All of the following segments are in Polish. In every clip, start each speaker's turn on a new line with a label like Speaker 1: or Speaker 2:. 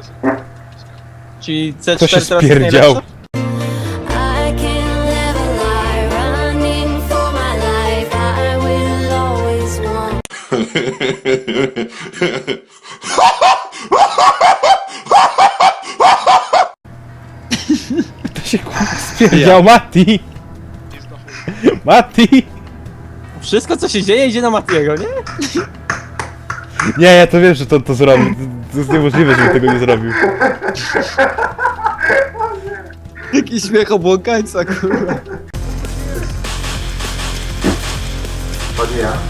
Speaker 1: Czyli C4
Speaker 2: Kto się
Speaker 1: teraz jest
Speaker 2: spierdział?
Speaker 1: najlepsza?
Speaker 3: I can't live a lie, running for my life. I will always want.
Speaker 2: To się kurwa spierdział, Mati! Mati!
Speaker 1: Wszystko co się dzieje idzie na Matiego, nie?
Speaker 2: Nie, ja to wiem, że to zrobił. To jest niemożliwe, żeby tego nie zrobił.
Speaker 1: Jaki śmiech obłąkańca, kurwa.
Speaker 4: To nie ja.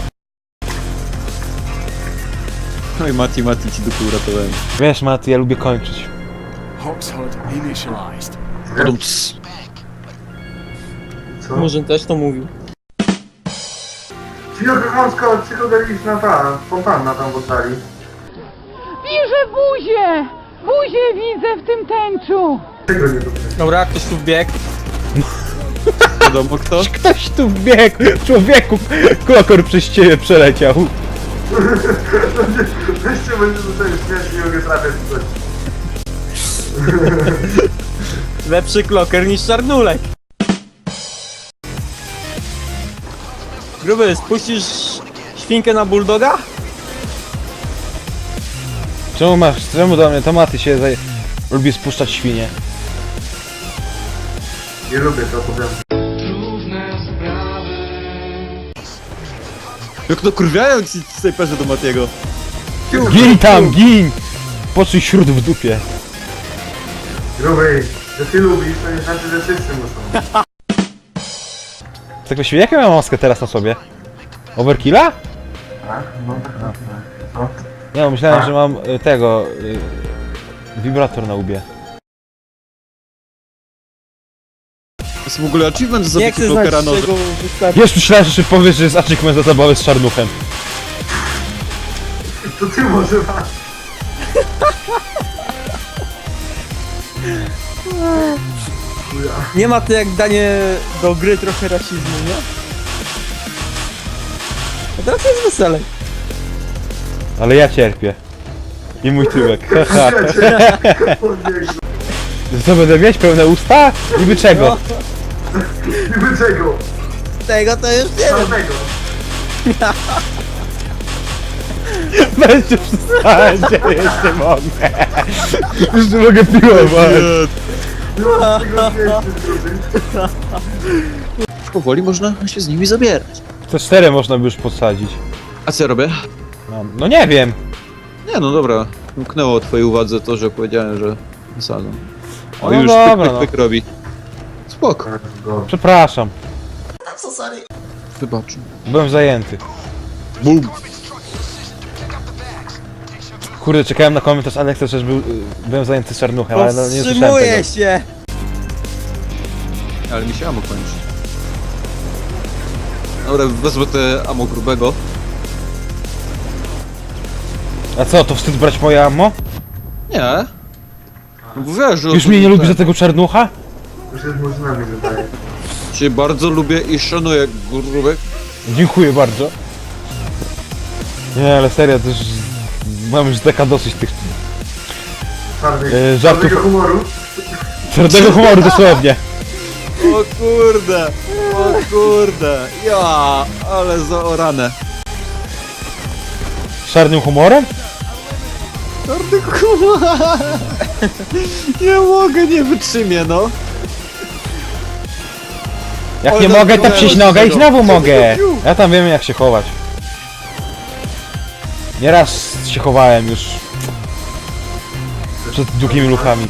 Speaker 1: Oj, Mati ci dupy uratowałem.
Speaker 2: Wiesz, Mati, ja lubię kończyć.
Speaker 5: Hoxhod initialized.
Speaker 4: Co?
Speaker 1: Murzyn też to mówił.
Speaker 4: Psychodeliczna ta fontanna tam w oddali.
Speaker 6: Widzę buzię! Buzię widzę w tym tęczu!
Speaker 4: Czego nie lubię?
Speaker 1: Dobra, ktoś tu wbiegł. Wiadomo kto?
Speaker 2: Ktoś tu wbiegł! Człowieku! Klokor przez ciebie przeleciał.
Speaker 4: Weźcie, będzie tutaj śmiać, nie mogę trafiać w coś.
Speaker 1: Lepszy kloker niż czarnulek. Gruby, spuścisz świnkę na bulldoga?
Speaker 2: Czemu do mnie to Mati się lubi spuszczać świnie?
Speaker 4: Nie lubię to, powiem.
Speaker 1: Jak no kurwiają ci snajperzy do Matiego.
Speaker 2: Gin tam, gin! Poczuj śród w dupie.
Speaker 4: Gruby, że ty lubisz, to nie znaczy, że wszyscy muszą.
Speaker 2: Tak właściwie, jaką ja mam maskę teraz na sobie? Overkilla?
Speaker 4: Tak? No tak. Co?
Speaker 2: Nie, no, myślałem, że mam tego... wibrator na łbie.
Speaker 7: To jest w ogóle achievement za
Speaker 1: Nie
Speaker 7: zabicie
Speaker 1: chcę znać
Speaker 7: klokera nożem.
Speaker 1: czego wystarczy.
Speaker 2: Już myślałem, że powiesz, że jest achievement za zabawę z czarnuchem.
Speaker 4: To ty może masz.
Speaker 1: Nie ma to jak danie do gry trochę rasizmu, nie? A teraz jest weselej.
Speaker 2: Ale ja cierpię. I mój tyłek. Haha. Co, będę mieć pełne usta? Niby czego?
Speaker 4: Niby czego?
Speaker 1: Tego to już nie wiem.
Speaker 4: Czarnego.
Speaker 2: Będzie przestać, ja już nie mogę. Już nie mogę piłować.
Speaker 4: No, tego nie jest, gruby.
Speaker 7: Powoli można się z nimi zabierać.
Speaker 2: To 4 można by już podsadzić.
Speaker 7: A co ja robię?
Speaker 2: No nie wiem.
Speaker 7: Nie no dobra, umknęło twojej uwadze to, że powiedziałem, że wysadzą. O
Speaker 2: No
Speaker 7: już
Speaker 2: dobra,
Speaker 7: pyk, pyk, pyk robi. Spoko,
Speaker 2: Przepraszam.
Speaker 7: wybacz.
Speaker 2: Byłem zajęty.
Speaker 7: Bum.
Speaker 2: Kurde, czekałem na komentarz Aleksa, że byłem zajęty z czarnuchem, ale no nie słyszałem tego.
Speaker 1: Powstrzymuję się!
Speaker 7: Ale mi się ammo kończy. Dobra, wezmę te ammo grubego.
Speaker 2: A co, to wstyd brać moje ammo?
Speaker 7: Nie. No bo wiesz, że...
Speaker 2: Już mnie nie lubi za tego czarnucha?
Speaker 4: Już jest murzynami wydaje.
Speaker 7: Cię bardzo lubię i szanuję, grubek.
Speaker 2: Dziękuję bardzo. Nie, ale serio, to już... Mam już deka dosyć tych... żartów.
Speaker 4: Czarnego humoru.
Speaker 2: Twardego humoru dosłownie.
Speaker 7: O kurde, o kurde. Ja, ale zaorane.
Speaker 2: Z czarnym humorem?
Speaker 7: Nie mogę, nie wytrzymię, no.
Speaker 2: Jak
Speaker 7: Oj,
Speaker 2: nie
Speaker 7: no,
Speaker 2: mogę, to
Speaker 7: no,
Speaker 2: przyjść
Speaker 7: no,
Speaker 2: nogę i
Speaker 7: no.
Speaker 2: znowu mogę. Ja tam wiem jak się chować. Nieraz się chowałem już. Przed długimi luchami.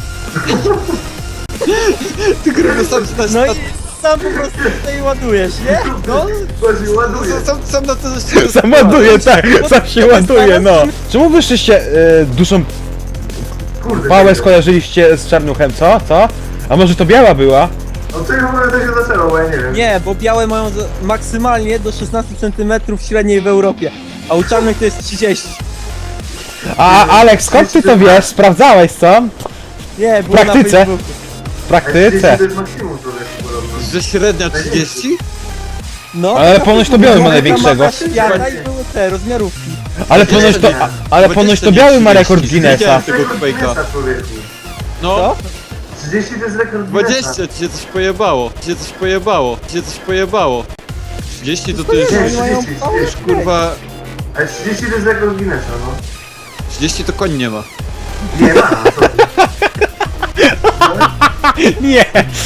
Speaker 7: Ty gruby sam się
Speaker 1: No i sam po prostu tutaj ładujesz, nie? No,
Speaker 4: Właśnie ładuje.
Speaker 7: sam na to
Speaker 2: Sam ładuje, tak, sam się ładuje, no. Czemu wyższyście duszą
Speaker 4: Kurde.
Speaker 2: pałę
Speaker 4: nie
Speaker 2: skojarzyliście z czarnuchem, co? Co? A może to biała była?
Speaker 4: wiem. Od czego w ogóle to się zaczęło, bo ja nie wiem.
Speaker 1: nie, bo białe mają maksymalnie do 16 cm średniej w Europie, a u czarnych to jest 30.
Speaker 2: A Aleks, skąd ty to wiesz? Sprawdzałeś, co?
Speaker 1: Nie, było
Speaker 2: praktyce.
Speaker 1: na Facebooku.
Speaker 2: W praktyce.
Speaker 4: To jest maksimum człowieku podobno.
Speaker 7: Że średnia 30?
Speaker 1: No,
Speaker 2: Ale
Speaker 1: taka
Speaker 2: ponoć to biały ma
Speaker 1: mapa
Speaker 2: największego.
Speaker 1: świata i były te rozmiarówki.
Speaker 2: Ale ponoć to biały ma rekord Guinnessa.
Speaker 7: Widziałem tego
Speaker 4: Rekord
Speaker 7: fejka.
Speaker 4: Guinnessa, człowieku.
Speaker 7: No,
Speaker 1: Co?
Speaker 4: 30 to jest rekord Guinnessa.
Speaker 7: 20, ci się coś pojebało. Ci się coś pojebało. Ci się coś pojebało. 30 to jest,
Speaker 4: Nie,
Speaker 1: Oni mają
Speaker 4: 30,
Speaker 1: mało
Speaker 7: już kurwa...
Speaker 4: Ale 30 to jest rekord Guinnessa, no.
Speaker 7: 30 to koń nie ma.
Speaker 4: Nie ma, co ty.
Speaker 2: Nie!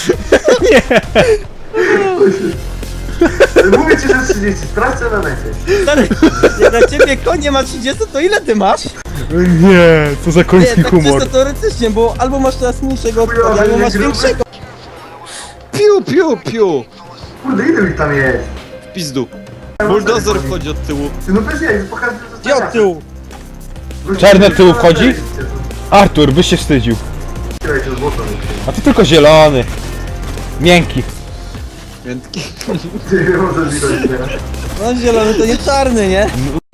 Speaker 4: Mówię ci, że 30, sprawdźcie na necie.
Speaker 1: Stary, jak na ciebie konie ma 30, to ile ty masz?
Speaker 2: Nie, co za
Speaker 1: Nie,
Speaker 2: koński
Speaker 1: tak
Speaker 2: humor.
Speaker 1: czysto teoretycznie, bo albo masz teraz mniejszego od
Speaker 4: Chujowy,
Speaker 1: konia, albo
Speaker 4: nie
Speaker 1: masz
Speaker 4: gruby.
Speaker 1: większego.
Speaker 7: Piu, piu, piu.
Speaker 4: Kurde, ile ich tam jest?
Speaker 7: W pizdu. Bulldozer wchodzi od tyłu.
Speaker 4: Ty, no bez jaj, pokażę, że to
Speaker 1: Gdzie od tyłu?
Speaker 2: Czarny od tyłu wchodzi? Artur, byś się wstydził. A ty tylko zielony. Miękki.
Speaker 7: Miętki.
Speaker 4: Ty, może widać teraz.
Speaker 1: No zielony to nie czarny, nie?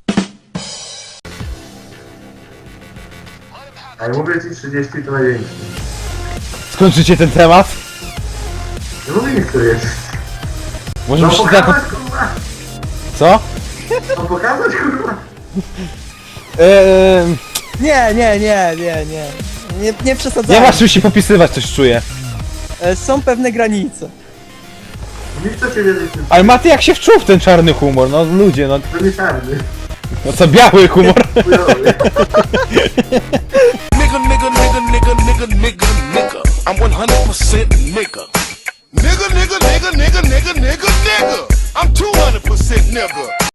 Speaker 4: Ale mówię ci 30 to największy.
Speaker 2: Skończycie ten temat?
Speaker 4: Nie mówię nic, to jest.
Speaker 2: Może
Speaker 4: No
Speaker 2: byście
Speaker 4: pokazać,
Speaker 2: tak...
Speaker 4: kurwa!
Speaker 2: Co?
Speaker 4: No pokazać, kurwa!
Speaker 1: Nie przesadzajmy.
Speaker 2: Nie masz czym się popisywać, coś czuję.
Speaker 1: Są pewne granice.
Speaker 4: Nic co cię wiedzieć,
Speaker 2: Ale Maty jak się wczuł w ten czarny humor, no ludzie, no,
Speaker 4: to nie czarny.
Speaker 2: no co biały humor.
Speaker 4: Chujowy.
Speaker 5: Nigga, nigga, nigga, nigga, nigga, nigga, nigga. I'm 100% nigga. Nigga, nigga, nigga, nigga, nigga, nigga, nigga. I'm 200% nigga.